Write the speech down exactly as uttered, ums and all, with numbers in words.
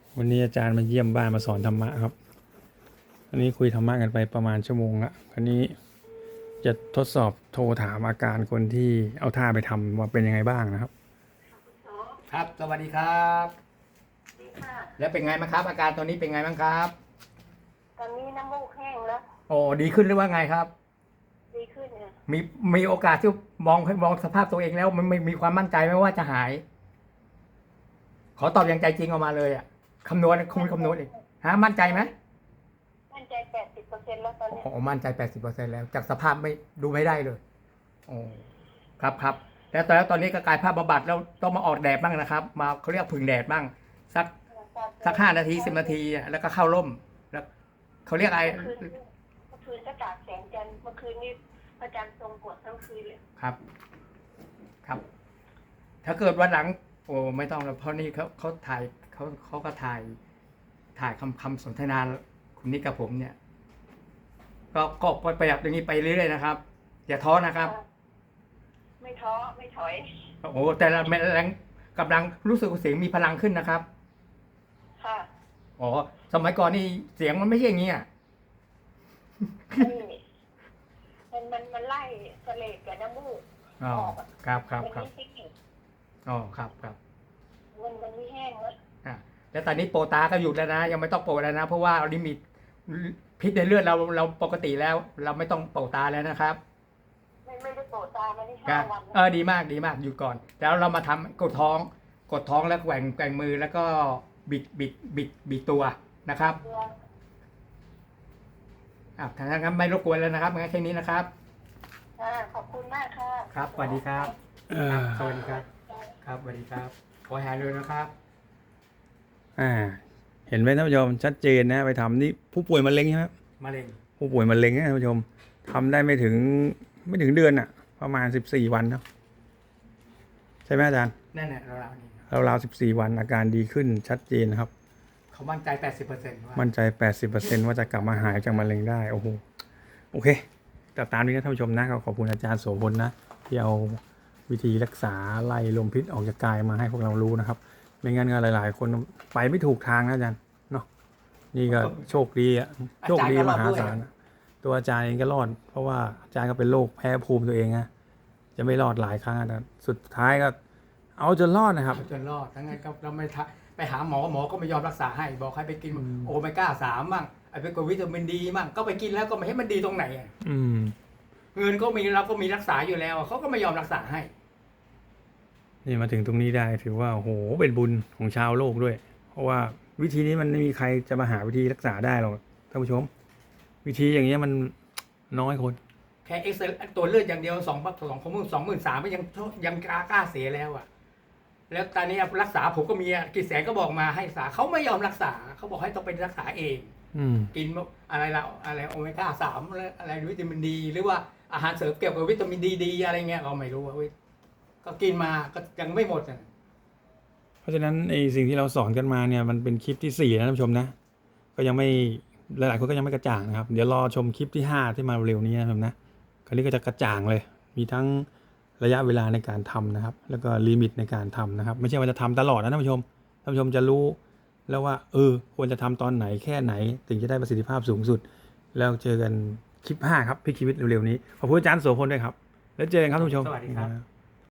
วันนี้อาจารย์มาเยี่ยมบ้านมาสอนธรรมะครับอันนี้คุยธรรมะกันไปประมาณชั่วโมงละคราวนี้จะทดสอบโทรถามอาการคนที่เอาท่าไปทำว่าเป็นยังไงบ้างนะครับครับสวัสดีครับแล้วเป็นไงบ้างครับ อาการตอนนี้เป็นไงบ้างครับตอนนี้น้ำมูกแห้งแล้วโอ้ดีขึ้นหรือว่าไงครับดีขึ้นเนี่ยมีมีโอกาสที่มองมองสภาพตัวเองแล้วมันไม่มีความมั่นใจไหมว่าจะหาย ขอตอบอย่างใจจริงออกมาเลยอ่ะคำนวณคุณคำนวณเองฮะมั่นใจไหมมั่นใจแปดสิบเปอร์เซ็นต์แล้วตอนนี้โอ้มั่นใจแปดสิบเปอร์เซ็นต์แล้วจากสภาพไม่ดูไม่ได้เลยโอ้ครับครับแล้วตอนแล้วตอนนี้ก็กลายภาพบำบัดแล้วต้องมาออกแดดบ้างนะครับ มาเขาเรียกผึ่งแดดบ้างสักสักห้านาทีสิบนาทีแล้วก็เข้าร่มแล้วเขาเรียกอะไรเมื่อคืนเมื่อคืนก็ตากแสงจันทร์เมื่อคืนนี้พระจันทร์ทรงกดทั้งคืนเลยครับ ครับ ถ้าเกิดวันหลัง โอ้ไม่ต้องแล้วเพราะนี่เขาเขาถ่ายเขาเขาก็ถ่าย ถ่ายคำคำสนทนาคุณนิกกับผมเนี่ย ก็ก็ประหยัดอย่างนี้ไปเรื่อยๆนะครับอย่าท้อนะครับไม่ท้อไม่ถอยโอ้แต่ละแรงกำลังรู้สึกเสียงมีพลังขึ้นนะครับค่ะอ๋อสมัยก่อนนี่เสียงมันไม่ใช่อย่างนี้อ่ะมันมันมันไล่เสลดกับน้ำมูกอ๋อครับครับครับมันไม่แห้งอ๋อครับครับมันมันไม่แห้งแล้วอ่ะแล้วตอนนี้โปรตาก็หยุดแล้วนะยังไม่ต้องโปรแล้วนะเพราะว่าลิมิตพิษในเลือดเราเราปกติแล้ว เราไม่ต้องโปรตาแล้วนะครับไม่ไม่ได้โปรตามาได้ห้าวันเออดีมากดีมากหยุดก่อนแล้วเรามาทำกดท้อง กดท้องแล้วแกว่งแกว่งมือแล้วก็บิดบิดบิดบิดตัวนะครับอ่ะถ้างั้นไม่รบกวนแล้วนะครับงั้นแค่นี้นะครับขอบคุณมากค่ะครับสวัสดีครับสวัสดีครับครับสวัสดีครับขอหายเลยนะครับอ่าเห็นไหมท่านผู้ชมชัดเจนนะไปทำนี่ผู้ป่วยมะเร็งใช่ไหมมะเร็งผู้ป่วยมะเร็งนะท่านผู้ชมทำได้ไม่ถึงไม่ถึงเดือนอ่ะ ประมาณสิบสี่วันเนาะใช่ไหมอาจารย์นั่นแหละเราเรานี่เราเราสิบสี่วันอาการดีขึ้นชัดเจนนะครับเขามั่นใจแปดสิบเปอร์เซ็นต์มั่นใจแปดสิบเปอร์เซ็นต์ว่าจะกลับมาหายจากมะเร็งได้โอ้โหโอเคแต่ตามนี้นะท่านผู้ชมนะขอบคุณอาจารย์โสพลนะที่เอาวิธีรักษาไล่ลมพิษออกจากกายมาให้พวกเรารู้นะครับไม่งั้นก็หลายๆคนไปไม่ถูกทางนะอาจารย์เนาะนี่ก็โชคดีอะโชคดีมหาศาลตัวอาจารย์เองก็รอดเพราะว่าอาจารย์ก็เป็นโรคแพ้ภูมิตัวเองนะจะไม่รอดหลายครั้งนะสุดท้ายก็เอาจนรอดนะครับจนรอดทั้งนั้นก็เราไม่ไปหาหมอหมอก็ไม่ยอมรักษาให้บอกให้ไปกินโอเมก้าสามมั่งไอ้ไปกดวิตามินดีมั่งก็ไปกินแล้วก็ไม่ให้มันดีตรงไหนอ่ะเงินก็มีเราก็มีรักษาอยู่แล้วเขาก็ไม่ยอมรักษาให้นี่มาถึงตรงนี้ได้ถือว่าโอ้โหเป็นบุญของชาวโลกด้วยเพราะว่าวิธีนี้มันไม่มีใครจะมาหาวิธีรักษาได้หรอกท่านผู้ชมวิธีอย่างเงี้ยมันน้อยคนแค่เอ็กซ์ตัวเลือดอย่างเดียวสองพันสองของมึงสองหมื่นสามยังยังกล้ากล้าเสียแล้วอ่ะแล้วตอนนี้รักษาผมก็มีกี่แสนก็บอกมาให้รักษาเขาไม่ยอมรักษาเขาบอกให้ต้องเป็นรักษาเองกินอะไรละอะไรโอเมก้าสามอะไรวิตามินดีหรือว่าอาหารเสริมเกี่ยวกับวิตามินดีดีอะไรเงี้ยเราไม่รู้ว่าก็กินมาก็ยังไม่หมดเพราะฉะนั้นไอ้สิ่งที่เราสอนกันมาเนี่ยมันเป็นคลิปที่สี่นะท่านผู้ชมนะก็ยังไม่หลายๆคนก็ยังไม่กระจ่างนะครับเดี๋ยวรอชมคลิปที่ห้าที่มาเร็วนี้นะครับนะคราวนี้ก็จะกระจ่างเลยมีทั้งระยะเวลาในการทำนะครับแล้วก็ลิมิตในการทำนะครับไม่ใช่ว่าจะทำตลอดนะท่านผู้ชมท่านผู้ชมจะรู้แล้วว่าเออควรจะทำตอนไหนแค่ไหนถึงจะได้ประสิทธิภาพสูงสุดแล้วเจอกันคลิปห้าครับพี่ชีวิตเร็วๆนี้ขอบคุณอาจารย์โสพลด้วยครับแล้วเจอกันครับท่านผู้ชมสวัสดีครับ